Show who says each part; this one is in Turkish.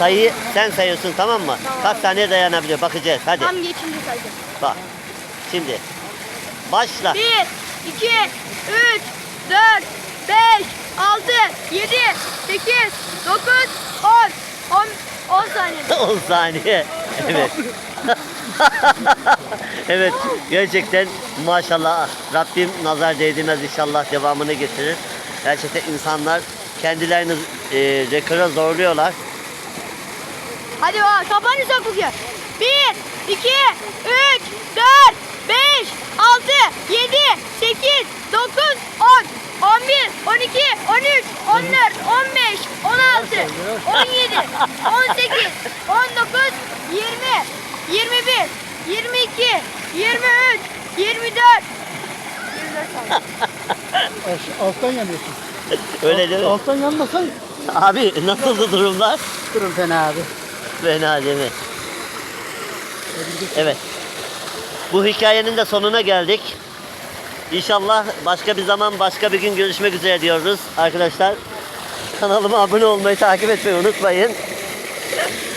Speaker 1: Sayıyı sen sayıyorsun, tamam mı?
Speaker 2: Tamam.
Speaker 1: Kaç saniye dayanabiliyor bakacağız. Hadi.
Speaker 2: Tam geçince sayacağım.
Speaker 1: Bak. Şimdi. Başla.
Speaker 2: 1, 2, 3, 4, 5, 6, 7, 8, 9, 10 saniye.
Speaker 1: 10 saniye. Evet. Evet. Gerçekten maşallah. Rabbim nazar değdirmez, inşallah devamını getirir. Gerçekten insanlar kendilerini rekora zorluyorlar.
Speaker 2: Hadi bak, kapanı sok bugün. 1, 2, 3, 4, 5, 6, 7, 8, 9, 10, 11, 12, 13, 14, 15, 16, 17, 18, 19, 20, 21, 22, 23, 24. 24 saniye.
Speaker 3: Alttan yanıyorsun.
Speaker 1: Öyle değil mi?
Speaker 3: Alttan yanmasan
Speaker 1: Abi nasıldı durumlar?
Speaker 3: durum fena abi.
Speaker 1: Fena değil mi? Evet. Bu hikayenin de sonuna geldik. İnşallah başka bir zaman, başka bir gün görüşmek üzere diyoruz arkadaşlar. Kanalıma abone olmayı, takip etmeyi unutmayın.